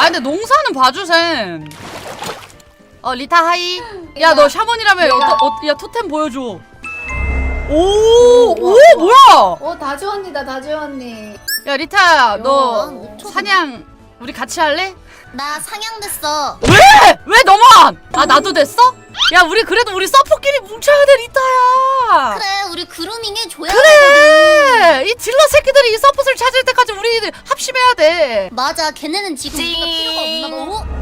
근데 농사는 봐주셈. 리타 하이. 야 너 샤먼이라며. 야 토템 보여줘. 오 뭐야? 다주 언니다, 다주 언니. 야 리타야 너 미쳤네. 사냥 우리 같이 할래? 나 상향됐어. 왜 너만? 나도 됐어? 야 우리 그래도 우리 서포끼리 뭉쳐야 돼 리타야. 그래 우리 그루밍 해줘야 그래 이 딜러 새끼들이 이 서폿을 찾을 때까지 우리 합심해야 돼. 맞아 걔네는 지금 우리가 필요가 없나 봐.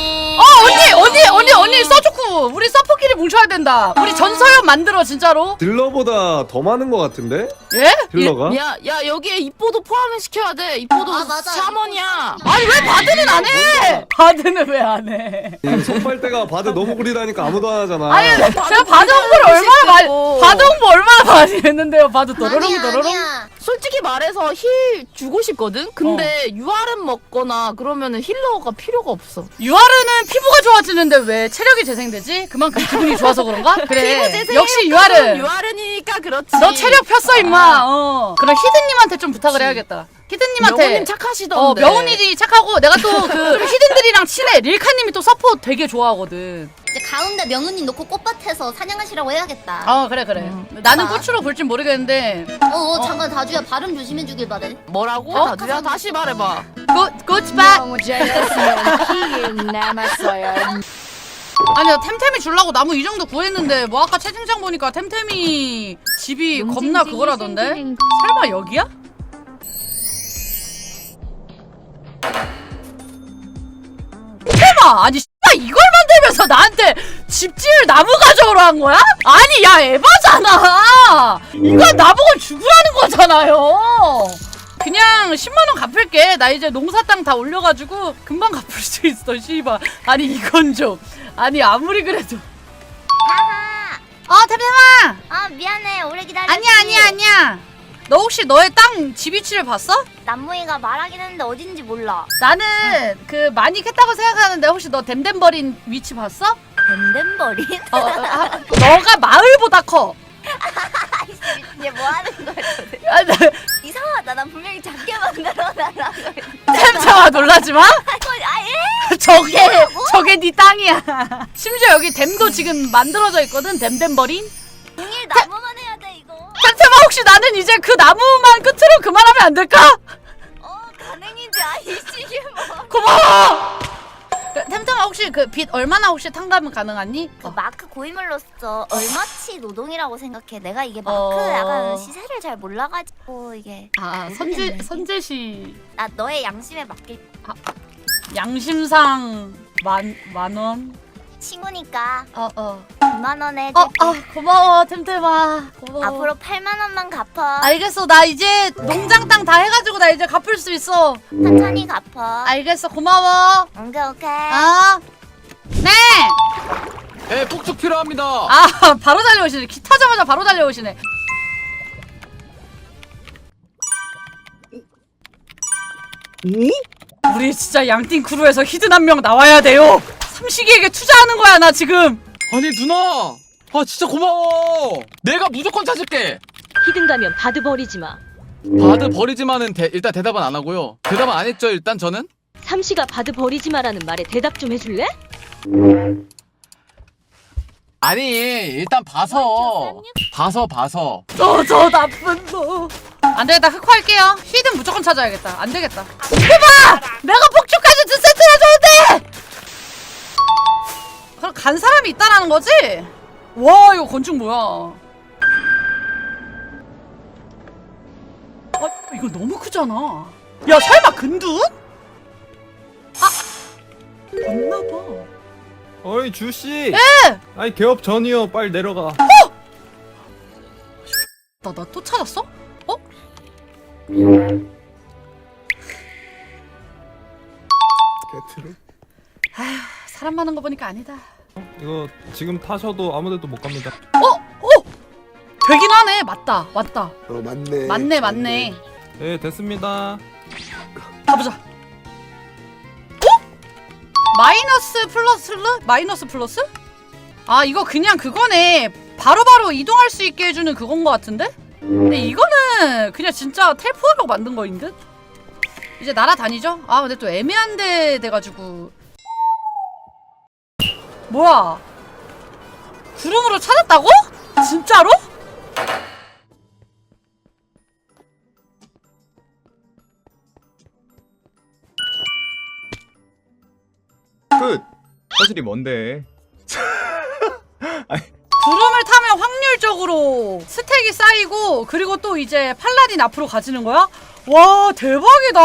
언니 써줬고 우리 서폿끼리 뭉쳐야 된다. 우리 전서연 만들어 진짜로. 딜러보다 더 많은 것 같은데? 예? 딜러가? 야 여기에 입보도 포함을 시켜야 돼. 입보도 아, 맞아. 샤먼이야. 아니 왜 바드는 안 해? 바드는 왜 안 해? 손빨대가 바드 너무 구리다니까 아무도 안 하잖아. 아니 제가 바드 홍보를 얼마나 많이 바드 홍보 얼마나 많이 했는데요. 바드 도로롱 도로롱. 아니야. 솔직히 말해서 힐 주고 싶거든. 근데 UR은 먹거나 그러면은 힐러가 필요가 없어. 유아르는 피부가 좋아지는데 왜 체력이 재생되지? 그만큼 기분이 좋아서 그런가? 그래 역시 유아르. UR이니까 그렇지. 너 체력 폈어 임마. 그럼 히든님한테 좀 부탁을 해야겠다. 히든님한테. 명호님 착하시던데. 명훈이 착하고 내가 또 그 히든들이랑 친해. 릴카님이 또 서포트 되게 좋아하거든. 이제 가운데 명은님 놓고 꽃밭에서 사냥하시라고 해야겠다. 그래. 나는 꽃으로 볼진 모르겠는데. 잠깐 다주야 발음 조심해 주길 바래. 뭐라고? 다주야 다시 말해봐. 꽃밭. 너무 잘했으면 키 남았어요. 아니 나 템템이 주려고 나무 이 정도 구했는데 뭐 아까 채팅창 보니까 템템이 집이 겁나 그거라던데? 설마 여기야? 템아 아니 이걸 만들면서 나한테 집 지을 나무 가져오라 한 거야? 아니 야 에바잖아. 이건 나보고 죽으라는 거잖아요. 그냥 10만원 갚을게. 나 이제 농사 땅 다 올려가지고 금방 갚을 수 있어 씨발. 아니 이건 좀 아니 아무리 그래도 하하. 템템아 미안해 오래 기다렸지. 아니야 너 혹시 너의 땅 집 위치를 봤어? 남무이가 말하긴 했는데 어딘지 몰라. 나는 그 많이 캤다고 생각하는데 혹시 너 댐댐버린 위치 봤어? 댐댐버린? 너가 마을보다 커. 이제 뭐 하는 거야? 아, 나- 이상하다. 난 분명히 작게 만들어놔. 템템아 놀라지마. 아예? 저게 네 땅이야. 심지어 여기 댐도 지금 만들어져 있거든. 댐댐버린. 동일 나무만 해야 돼 이거. 템템아 혹시 나는 이제 그 나무만 끝으로 그만하면 안 될까? 가능인지 아니지 뭐. 고마워. 템템아 혹시 그 빚 얼마나 혹시 탕감은 가능하니? 그 마크 고인물로서 얼마치 노동이라고 생각해. 내가 이게 마크 어. 약간 시세를 잘 몰라가지고 이게. 모르겠네. 선제시 나 너의 양심에 맡길 양심상 만 원. 친구니까 어. 2만 원에 해줄게. 고마워 템템아. 고마워. 앞으로 8만 원만 갚아. 알겠어. 나 이제 농장 땅 다 해가지고 나 이제 갚을 수 있어. 천천히 갚아. 알겠어. 고마워. 오케이. 네. 네, 폭죽 필요합니다. 바로 달려오시네. 기 타자마자 바로 달려오시네. 우리 진짜 양띵 크루에서 히든 한 명 나와야 돼요. 삼식이에게 투자하는 거야 나 지금. 아니 누나, 진짜 고마워. 내가 무조건 찾을게. 히든 가면 바드 버리지 마. 바드 버리지만은 일단 대답은 안 하고요. 대답은 안 했죠 일단 저는. 삼시가 바드 버리지 마라는 말에 대답 좀 해줄래? 아니 일단 봐서. 저 나쁜 놈. 안 되겠다. 흑화할게요. 히든 무조건 찾아야겠다. 안 되겠다. 이거 봐! 내가 폭죽까지 두 세트나 줬는데! 그럼 간 사람이 있다라는 거지? 와 이거 건축 뭐야? 이거 너무 크잖아. 야 설마 근둔? 맞나봐. 어이 주씨. 예! 아니 개업 전이요. 빨리 내려가. 나 또 찾았어? 개트로. 사람 많은 거 보니까 아니다. 이거 지금 타셔도 아무데도 못 갑니다. 되긴 하네. 맞다. 왔다. 맞네. 맞네. 네 됐습니다. 가보자. 마이너스 플러스? 이거 그냥 그거네. 바로바로 이동할 수 있게 해주는 그건 거 같은데? 근데 이거는 그냥 진짜 텔포하려고 만든 거인 듯? 이제 날아다니죠? 아 근데 또 애매한 데 돼가지고. 뭐야? 구름으로 찾았다고? 진짜로? 끝. 사실이 뭔데? 구름을 타면 확률적으로 스택이 쌓이고 그리고 또 이제 팔라딘 앞으로 가지는 거야? 와 대박이다.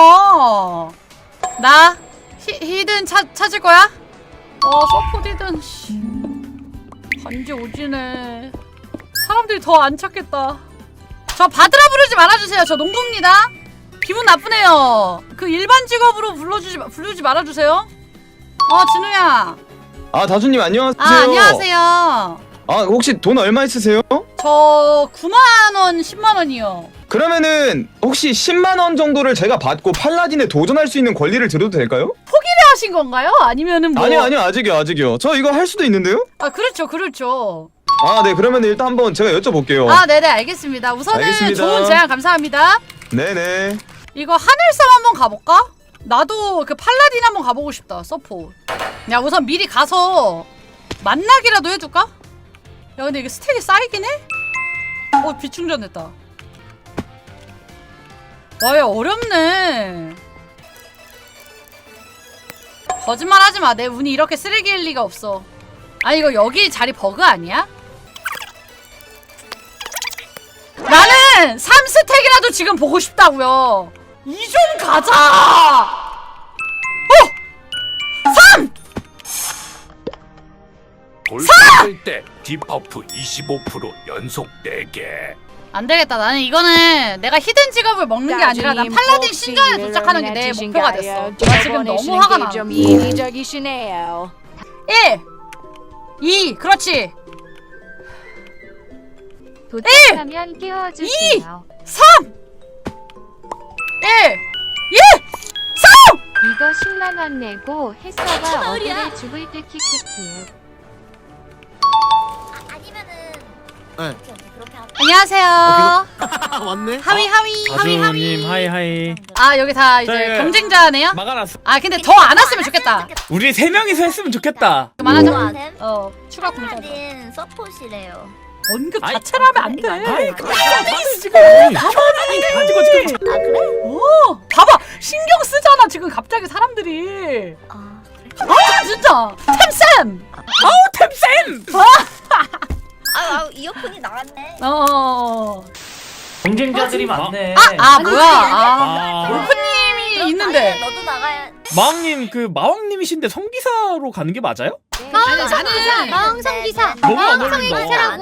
나 히든 찾을 거야? 서포트 히든 씨. 반지 오지네. 사람들이 더 안 찾겠다. 저 바드라 부르지 말아주세요. 저 농부입니다. 기분 나쁘네요. 그 일반 직업으로 부르지 말아주세요. 진우야. 아 다주님 안녕하세요. 안녕하세요. 혹시 돈 얼마 있으세요? 저 9만원 10만원이요. 그러면은 혹시 10만 원 정도를 제가 받고 팔라딘에 도전할 수 있는 권리를 드려도 될까요? 하신 건가요? 아니면은 뭐? 아니요 아직이요. 저 이거 할 수도 있는데요? 그렇죠. 네 그러면 일단 한번 제가 여쭤볼게요. 네네 알겠습니다. 우선은 알겠습니다. 좋은 제안 감사합니다. 네네. 이거 하늘섬 한번 가볼까? 나도 그 팔라딘 한번 가보고 싶다. 서포. 야 우선 미리 가서 만나기라도 해줄까? 야 근데 이게 스택이 쌓이긴 해? 비충전됐다. 와 야 어렵네. 거짓말 하지마. 내 운이 이렇게 쓰레기일 리가 없어. 이거 여기 자리 버그 아니야? 나는 3스택이라도 지금 보고 싶다고요. 2좀 가자. 3! 돌파할 때 디버프 25% 연속 4개. 안 되겠다. 나는 이거는 내가 히든 직업을 먹는 게 아니라 난 팔라딘 신전에 도착하는 게 내 목표가 됐어. 나 지금 너무 화가 나. 좀 이기적이시네요. 1 2 그렇지. 도착하면 깨워주세요. 3 1 2 3! 이거 10만원 내고 햇서가 어그를 죽을 듯 키키키. 아니면은 네. 오케이, 그렇게 하자. 안녕하세요. 왔네. 하위. 다주님 하이하이. 여기 다 이제 저희가 경쟁자네요. 막아놨어. 근데 더 안 왔으면 좋겠다. 우리 3명이서 했으면 좋겠다. 그만하자. 템? 추가 공장. 팔라딘 서폿이래요. 언급 아이, 자체를 하면 안 돼. 아이, 그 지금 가지고 지금 아 그래? 봐봐 신경 쓰잖아 지금 갑자기 사람들이. 진짜 템쌤. 템쌤. 이어폰이 나갔네. 경쟁자들이 많네. 뭐야? 골프님이 있는데. 너도 나가야. 마왕님 그 마왕님이신데 성기사로 가는 게 맞아요? 나는 마왕성 기사. 너무 안 어울린다.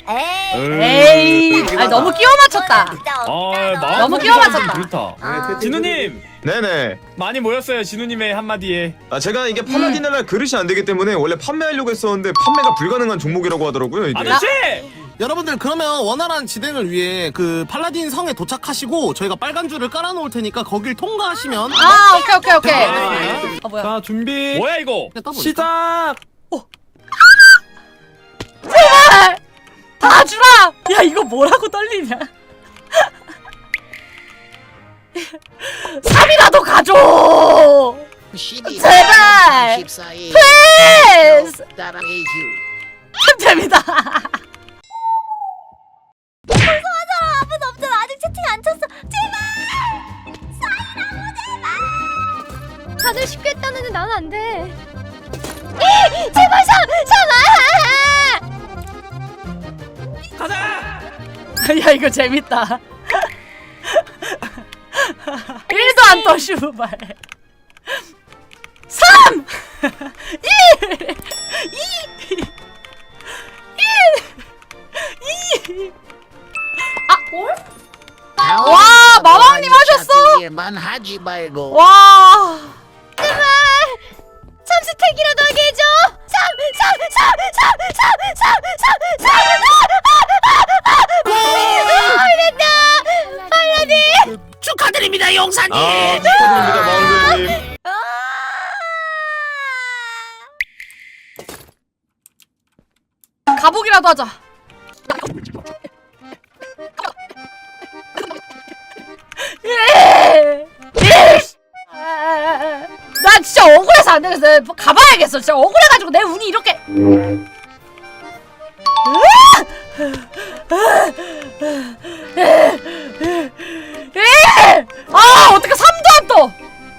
에이 너무 끼워 맞췄다. 너무 끼워 맞췄다. 그렇다. 진우님 네네. 많이 모였어요. 진우님의 한마디에. 제가 이게 팔라딘을 할 그릇이 안 되기 때문에 원래 판매하려고 했었는데 판매가 불가능한 종목이라고 하더라고요 이게. 아저씨! 여러분들 그러면 원활한 진행을 위해 그 팔라딘 성에 도착하시고 저희가 빨간 줄을 깔아놓을 테니까 거길 통과하시면 오케이. 뭐야? 자 준비. 뭐야 이거? 시작. 제발 다 주라. 야 이거 뭐라고 떨리냐? 3이라도 가줘. 제발. 플리즈. 템템이다. 아무도 없잖아. 아직 채팅 안 쳤어. 제발. 사인하고 제발. 다들 쉽게 했다는데 난 안 돼. 제발 가자! 야 이거 재밌다. 1도 안 떠 슈발. 3 1 2 1 2 와 마왕님 하셨어. 와 제발 3스택이라도 하게 해줘. 3 팔라딘 축하드립니다 용사님. 축하드립니다 마운드님. 가복이라도 하자. 억울해서 안 되겠어. 내가 가봐야겠어. 진짜 억울해가지고 내 운이 이렇게. 아 어떻게 3도 안 떠.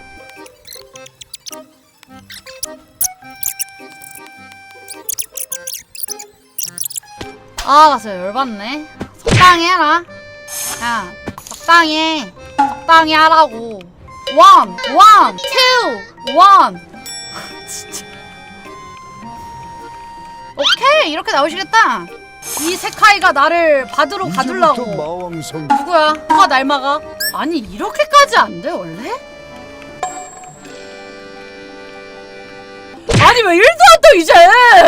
아 나 진짜 열받네. 적당히 해라. 야 적당히 해. 적당히 하라고. 1, 2, 1. 진짜. 오케이 이렇게 나오시겠다. 이 세카이가 나를 받으러 가둘라고. 누구야? 누가 날 막아? 아니 이렇게까지 안 돼 원래? 아니 왜 1도 안 떠 이제?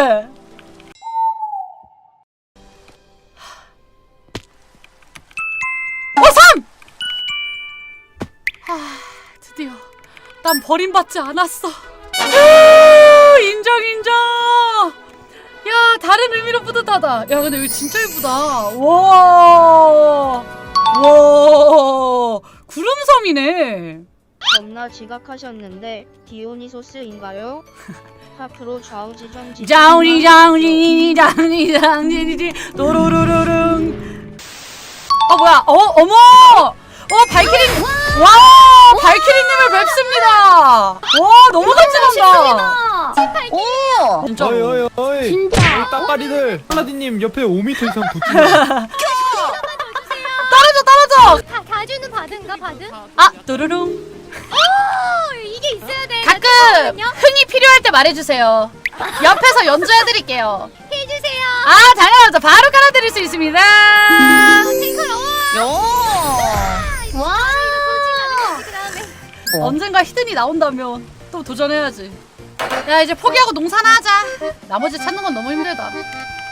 어 3! 아 드디어 난 버림받지 않았어. 인정 인정. 야 다른 의미로 뿌듯하다. 야 근데 이거 진짜 예쁘다. 와 구름섬이네. 겁나 지각하셨는데 디오니소스인가요? 앞으로 좌우지정 장우리 도로로로롱. 뭐야? 어머! 발키리. 와 발키리님을 뵙습니다. 와 너무 간지난다. 진짜. 어이 진짜? 따까리들 팔라딘님 옆에 5m 이상 붙지 떨어져. 가주는 받은가 받은? 아 도로롱. 이게 있어야 돼. 가끔 흥이 필요할 때 말해주세요. 옆에서 연주해드릴게요. 해주세요. 아 당연하죠. 바로 깔아드릴 수 있습니다. 와. 언젠가 히든이 나온다면 또 도전해야지. 야 이제 포기하고 농사나 하자. 나머지 찾는 건 너무 힘들다.